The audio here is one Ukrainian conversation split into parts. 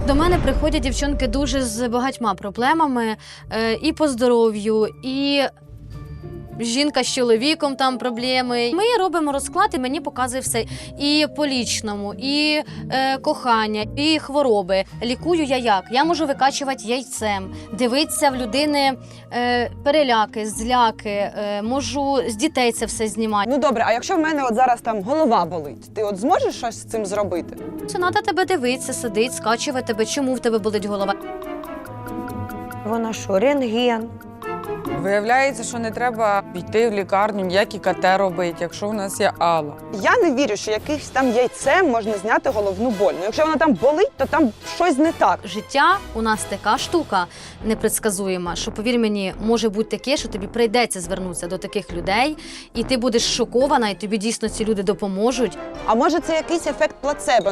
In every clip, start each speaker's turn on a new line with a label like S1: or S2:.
S1: До мене приходять дівчонки дуже з багатьма проблемами і по здоров'ю, і жінка з чоловіком там проблеми. Ми робимо розклад, і мені показує все. І по лічному, і кохання, і хвороби. Лікую я як? Я можу викачувати яйцем, дивитися в людини переляки, зляки, можу з дітей це все знімати.
S2: Ну добре, а якщо в мене от зараз там голова болить, ти от зможеш щось з цим зробити?
S1: Це треба тебе дивитися, сидить, скачувати тебе, чому в тебе болить голова.
S3: Вона що, рентген?
S4: Виявляється, що не треба йти в лікарню, ніякі КТ робити, якщо у нас є Алла.
S2: Я не вірю, що якимось там яйцем можна зняти головну боль. Ну, якщо вона там болить, то там щось не так.
S1: Життя у нас така штука непредсказуєма, що, повір мені, може бути таке, що тобі прийдеться звернутися до таких людей, і ти будеш шокована, і тобі дійсно ці люди допоможуть.
S2: А може це якийсь ефект плацебо?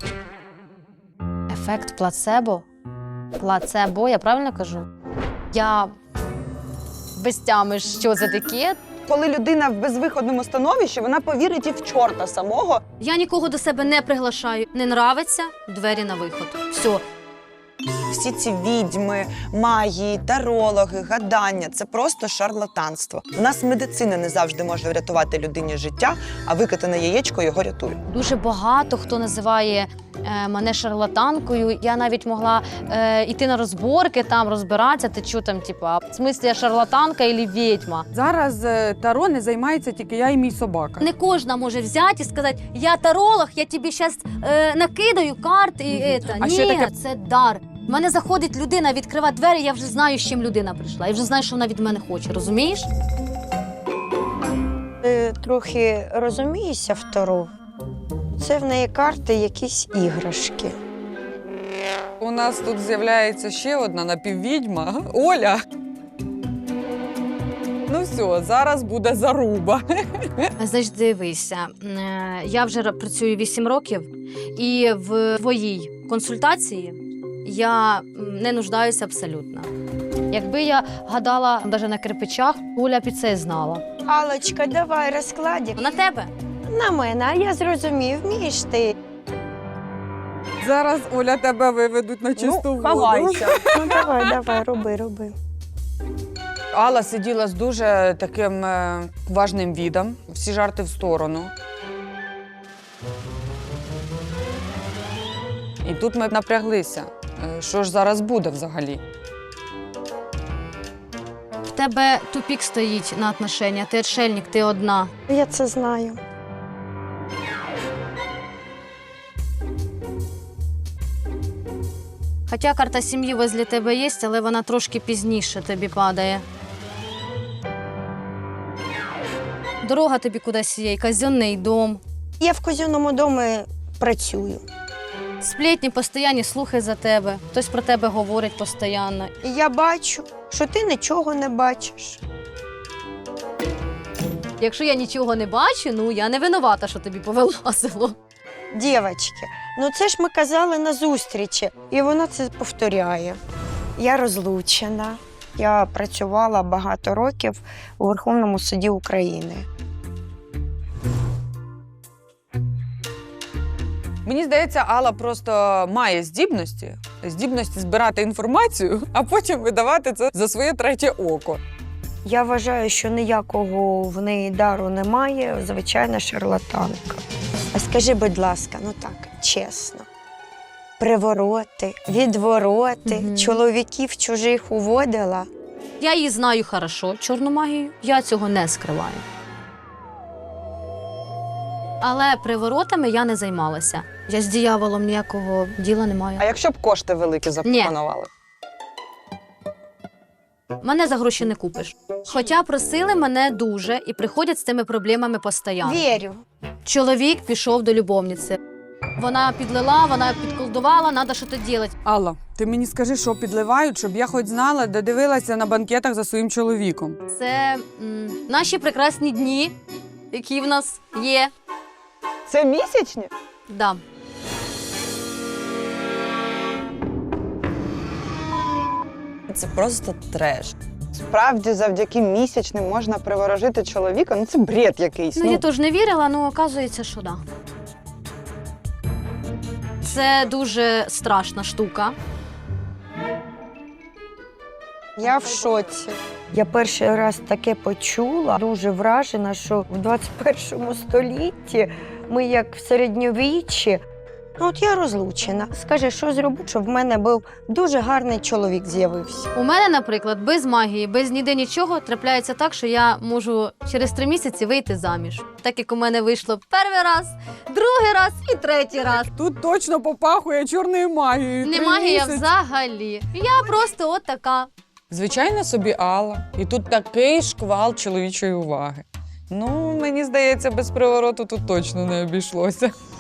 S1: Ефект плацебо? Плацебо, я правильно кажу? Я без тями, що це таке?
S2: Коли людина в безвиходному становищі, вона повірить і в чорта самого.
S1: Я нікого до себе не приглашаю. Не нравиться – двері на виход. Все.
S2: Всі ці відьми, магії, тарологи, гадання – це просто шарлатанство. У нас медицина не завжди може врятувати людині життя, а викатане яєчко його рятує.
S1: Дуже багато хто називає мене шарлатанкою. Я навіть могла йти на розборки, там розбиратися, ти що там, типа, в смислі я шарлатанка або відьма.
S4: Зараз таро не займається тільки я і мій собака.
S1: Не кожна може взяти і сказати, я таролог, я тобі зараз накидаю карт і це.
S4: А
S1: Ні,
S4: ще таке-
S1: це дар. В мене заходить людина, відкриває двері, я вже знаю, з чим людина прийшла. Я вже знаю, що вона від мене хоче, розумієш?
S3: Ти трохи розумієшся в Таро? Це в неї карти, якісь іграшки.
S4: У нас тут з'являється ще одна напіввідьма – Оля. Ну все, зараз буде заруба.
S1: Значить, дивися, я вже працюю 8 років, і в твоїй консультації я не нуждаюся абсолютно. Якби я гадала навіть на кирпичах, Оля б і це знала.
S3: Аллочка, давай розкладик.
S1: На тебе?
S3: На мене, а я зрозумів, вмієш ти.
S4: Зараз, Оля, тебе виведуть на чисту воду.
S2: ховайся.
S3: Ну давай, роби.
S4: Алла сиділа з дуже таким важним відом. Всі жарти в сторону. І тут ми напряглися. Що ж зараз буде взагалі?
S1: В тебе тупік стоїть на отношення, ти отшельник, ти одна.
S3: Я це знаю.
S1: Хоча карта сім'ї возле тебе є, але вона трошки пізніше тобі падає. Дорога тобі кудись є, казенний дом.
S3: Я в казенному домі працюю.
S1: Сплетні постійні слухи за тебе. Хтось про тебе говорить постійно.
S3: І я бачу, що ти нічого не бачиш.
S1: Якщо я нічого не бачу, ну я не винувата, що тобі повилазило.
S3: Дівочки, ну це ж ми казали на зустрічі, і вона це повторяє. Я розлучена. Я працювала багато років у Верховному суді України.
S4: Мені здається, Алла просто має здібності збирати інформацію, а потім видавати це за своє третє око.
S3: Я вважаю, що ніякого в неї дару немає, звичайна шарлатанка. А скажи, будь ласка, ну так, чесно, привороти, відвороти, чоловіків чужих уводила?
S1: Я її знаю хорошо, чорну магію, я цього не скриваю. Але приворотами я не займалася. Я з дияволом ніякого діла не маю.
S2: А якщо б кошти великі запропонували?
S1: Мене за гроші не купиш. Хоча просили мене дуже і приходять з цими проблемами постійно.
S3: Вірю.
S1: Чоловік пішов до любовниці. Вона підлила, вона підколдувала, треба щось робити.
S4: Алла, ти мені скажи, що підливають, щоб я хоч знала, де дивилася на банкетах за своїм чоловіком.
S1: Це наші прекрасні дні, які в нас є.
S2: Це місячні?
S1: Да.
S5: Це просто треш.
S2: Справді, завдяки місячним можна приворожити чоловіка? Ну це бред якийсь.
S1: Ну, я теж не вірила, але оказується, що да. Це дуже страшна штука.
S3: Я в шоці. Я перший раз таке почула, дуже вражена, що в 21 столітті ми як в середньовіччі. Ну, от я розлучена. Скажи, що зроблю, щоб в мене був дуже гарний чоловік з'явився.
S1: У мене, наприклад, без магії, без ніде нічого трапляється так, що я можу через 3 місяці вийти заміж. Так як у мене вийшло перший раз, другий раз і третій раз.
S4: Тут точно попахує чорною магією.
S1: Не
S4: 3
S1: магія
S4: місяці.
S1: взагалі. Я просто от така.
S4: Звичайна собі Алла. І тут такий шквал чоловічої уваги. Ну, мені здається, без привороту тут точно не обійшлося.